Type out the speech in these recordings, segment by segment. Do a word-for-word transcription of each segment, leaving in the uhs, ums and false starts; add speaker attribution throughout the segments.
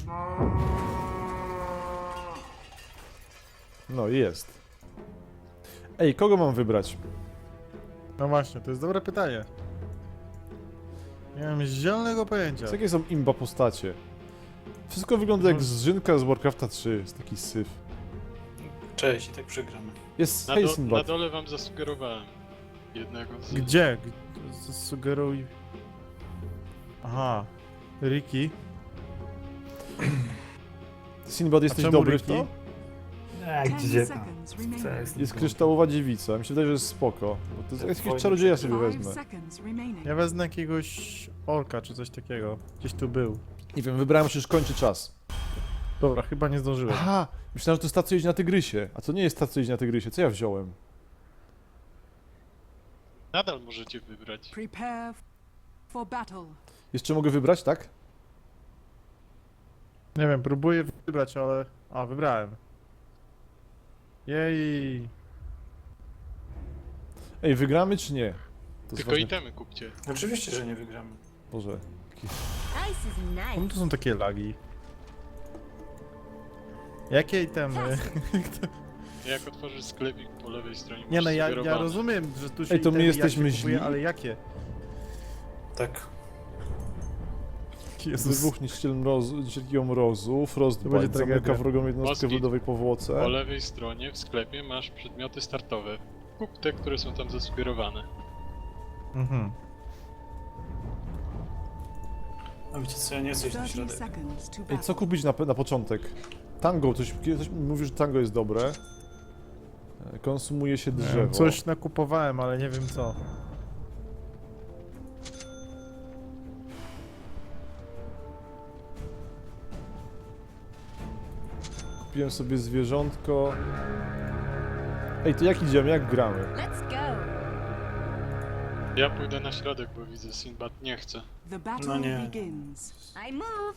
Speaker 1: No jest. Ej, kogo mam wybrać?
Speaker 2: No właśnie, to jest dobre pytanie. Nie mam zielonego pojęcia.
Speaker 1: Co jakie są imba postacie? Wszystko wygląda jak zżynka z Warcrafta trzy, jest taki syf.
Speaker 3: Cześć, i tak przegramy.
Speaker 1: Jest
Speaker 4: Na, do, na
Speaker 1: Heisenbad.
Speaker 4: dole wam zasugerowałem jednego z...
Speaker 2: Gdzie? G- Sugeruj... Aha. Ricky.
Speaker 1: Sinbad, jesteś
Speaker 2: czemu
Speaker 1: dobry w
Speaker 2: Ricky?
Speaker 1: to?
Speaker 3: A gdzie tam? Co jest?
Speaker 1: Jest kryształowa dziewica, mi się wydaje, że jest spoko. Bo to jest jakiegoś
Speaker 3: Fajnie.
Speaker 1: czarodzieja sobie wezmę.
Speaker 2: Ja wezmę jakiegoś orka czy coś takiego. Gdzieś tu był.
Speaker 1: Nie wiem, wybrałem się, już kończy czas.
Speaker 2: Dobra, chyba nie zdążyłem.
Speaker 1: Aha, myślałem, że to jest ta, co jeździ na tygrysie. A to nie jest ta, co jeździ na tygrysie. Co ja wziąłem?
Speaker 4: Nadal możecie wybrać.
Speaker 5: Prepare for battle.
Speaker 1: Jeszcze mogę wybrać, tak?
Speaker 2: Nie wiem, próbuję wybrać, ale... A, wybrałem. Jej.
Speaker 1: Ej, wygramy czy nie? To jest
Speaker 4: Tylko
Speaker 1: ważne.
Speaker 4: itemy kupcie.
Speaker 3: Oczywiście, że nie wygramy.
Speaker 1: Boże.
Speaker 2: Czemu to są takie lagi? Jakie itemy?
Speaker 4: Jak otworzysz sklepik po lewej stronie,
Speaker 2: Nie
Speaker 4: masz
Speaker 2: no, ja, ja
Speaker 4: sugerowane.
Speaker 2: rozumiem, że tu się
Speaker 1: Ej, to my
Speaker 2: itemy
Speaker 1: jesteśmy
Speaker 2: jakie kupuje,
Speaker 1: źli?
Speaker 2: ale jakie?
Speaker 3: Tak.
Speaker 1: Wybuch niszczyciel mrozu, niszczyciel mrozu, Frostbite,
Speaker 2: będzie
Speaker 1: zamyka
Speaker 2: tragedia.
Speaker 1: wrogą jednostkę w
Speaker 4: Moskit.
Speaker 1: lodowej powłoce.
Speaker 4: Po lewej stronie w sklepie masz przedmioty startowe. Kup te, które są tam zasugerowane.
Speaker 2: Mhm.
Speaker 3: A wiecie co, ja nie chcę iść na
Speaker 5: thirty
Speaker 3: środek.
Speaker 5: seconds to
Speaker 1: Ej,
Speaker 5: battle.
Speaker 1: co kupić na, na początek? Tango, ktoś, ktoś mówi, że tango jest dobre. E, Konsumuje się
Speaker 2: Nie
Speaker 1: drzewo.
Speaker 2: wiem, coś nakupowałem, ale nie wiem co.
Speaker 1: Kupiłem sobie zwierzątko. Ej, to jak idziemy, jak gramy?
Speaker 6: Let's go.
Speaker 4: Ja pójdę na środek, bo widzę, Sinbad nie chce.
Speaker 5: The battle
Speaker 3: No nie.
Speaker 5: begins.
Speaker 6: I move.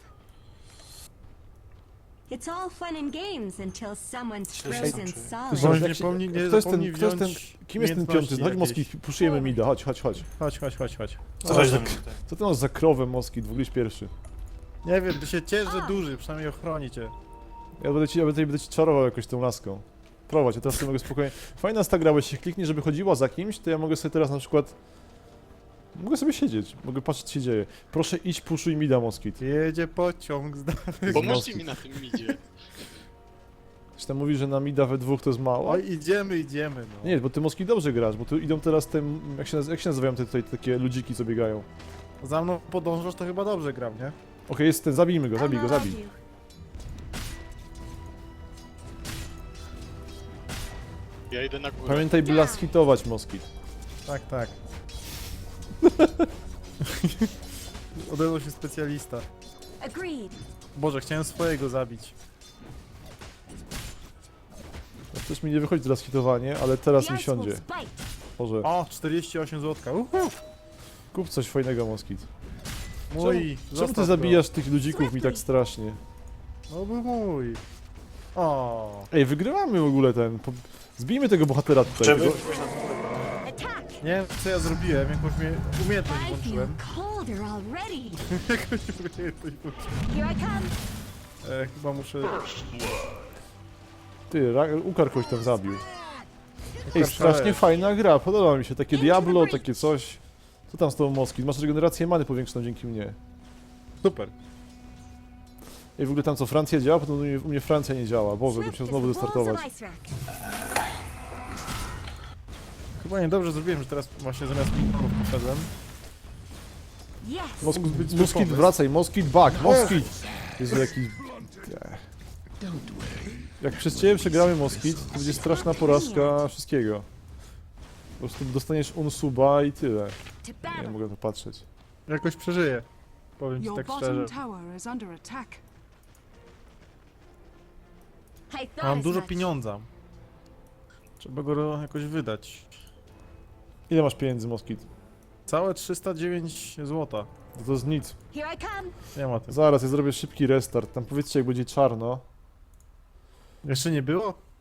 Speaker 6: It's all fun and games until someone's
Speaker 3: Cześć,
Speaker 6: frozen
Speaker 3: cześć.
Speaker 6: solid.
Speaker 2: Bądź
Speaker 1: Jak
Speaker 2: nie
Speaker 1: się-
Speaker 2: pomni- nie
Speaker 1: kto jest ten,
Speaker 2: zapomnij
Speaker 1: kto jest ten,
Speaker 2: wziąć
Speaker 1: kim jest ten piąty?
Speaker 2: umiejętności
Speaker 1: Chodź Moski,
Speaker 2: jakieś.
Speaker 1: puszujemy mida, chodź, chodź, chodź.
Speaker 2: Chodź, chodź, chodź, chodź, chodź.
Speaker 3: Co chodź
Speaker 1: za-
Speaker 3: do mnie tutaj?
Speaker 1: Co ty masz za krowę Moski, w ogóle jest pierwszy.
Speaker 2: Nie wiem, ty się ciesz, że duży, przynajmniej ochroni cię.
Speaker 1: Ja będę ci, ja będę, będę ci czarował jakoś tą laską. Prowadź, ja teraz sobie mogę spokojnie... Fajna jest ta gra, bo jeśli kliknie, żeby chodziła za kimś, to ja mogę sobie teraz na przykład... Mogę sobie siedzieć, mogę patrzeć co się dzieje. Proszę idź, puszuj mida Moskit.
Speaker 2: Jedzie pociąg z dalej.
Speaker 4: Pomóżcie
Speaker 1: Moskit.
Speaker 4: mi na tym midzie.
Speaker 1: Ktoś tam mówi, że na mida we dwóch to jest mało.
Speaker 2: Oj, idziemy, idziemy, no.
Speaker 1: Nie, bo ty Moski dobrze grasz, bo tu idą teraz te... Jak się, naz- jak się nazywają te tutaj takie ludziki, co biegają?
Speaker 2: Za mną podążasz, to chyba dobrze gram, nie?
Speaker 1: Okej, jest ten, zabijmy go, zabij go,
Speaker 6: I'll
Speaker 1: zabij.
Speaker 6: love you.
Speaker 4: Ja idę na górę.
Speaker 1: Pamiętaj, by las hitować Moskit.
Speaker 2: Tak, tak. Odezwał się specjalista.
Speaker 6: Agreed.
Speaker 2: Boże, chciałem swojego zabić.
Speaker 1: Też mi nie wychodzi teraz hitowanie, ale teraz
Speaker 6: The
Speaker 1: mi
Speaker 6: ice will
Speaker 1: siądzie.
Speaker 6: spite.
Speaker 1: Boże,
Speaker 2: O, czterdzieści osiem złotka. Uhu.
Speaker 1: kup coś fajnego Moskit.
Speaker 2: Mój.
Speaker 1: Czemu
Speaker 2: zostaw
Speaker 1: ty
Speaker 2: go.
Speaker 1: zabijasz tych ludzików mi tak strasznie?
Speaker 2: No był mój. O.
Speaker 1: Ej, wygrywamy w ogóle ten. Po... Zbijmy tego bohatera tutaj.
Speaker 3: Żeby
Speaker 1: Tego...
Speaker 3: pójść na górę.
Speaker 6: Attack.
Speaker 2: Nie wiem co ja zrobiłem, jakąś mnie umiejętność
Speaker 6: I feel
Speaker 2: włączyłem.
Speaker 6: colder already.
Speaker 2: Jakąś umiejętność włączyłem.
Speaker 6: Here I come.
Speaker 2: E, chyba muszę...
Speaker 1: Ty, Ra- Ukar kogoś tam zabił. Ej,
Speaker 2: Ukar
Speaker 1: strasznie
Speaker 2: szalesz.
Speaker 1: fajna gra, podoba mi się. Takie Diablo, takie coś. Co tam z tą Moskit? Masz regenerację many powiększoną dzięki mnie.
Speaker 2: Super.
Speaker 1: Ej, w ogóle tam co, Francja działa? Potem u mnie, u mnie Francja nie działa. Boże, bym
Speaker 6: Swift
Speaker 1: się
Speaker 6: as
Speaker 1: znowu
Speaker 6: the balls
Speaker 1: wystartować.
Speaker 6: of ice rack.
Speaker 2: Chyba niedobrze zrobiłem, że teraz właśnie zamiast minionów poszedłem.
Speaker 6: Yes.
Speaker 1: Mosk
Speaker 2: Mógł być zły
Speaker 1: Moskit,
Speaker 2: pomysł.
Speaker 1: wracaj, Moskit, back, Moskit! Jezu, jaki... Jak przez ciebie przegramy Moskit, to będzie straszna porażka wszystkiego. Po prostu dostaniesz unsuba i tyle.
Speaker 6: To
Speaker 1: Nie
Speaker 6: battle.
Speaker 1: mogę to patrzeć.
Speaker 2: Jakoś przeżyję. Powiem ci
Speaker 5: Your
Speaker 2: tak
Speaker 5: bottom
Speaker 2: szczerze.
Speaker 5: tower is under attack.
Speaker 6: I thought
Speaker 2: Mam
Speaker 6: as
Speaker 2: dużo
Speaker 6: much.
Speaker 2: pieniądza. Trzeba go jakoś wydać.
Speaker 1: Ile masz pieniędzy, Moskit?
Speaker 2: Całe trzysta dziewięć złota.
Speaker 1: To, to jest nic.
Speaker 6: Here I come.
Speaker 2: Nie ma tym.
Speaker 1: Zaraz, ja zrobię szybki restart. Tam powiedzcie, jak będzie czarno.
Speaker 2: Jeszcze nie było?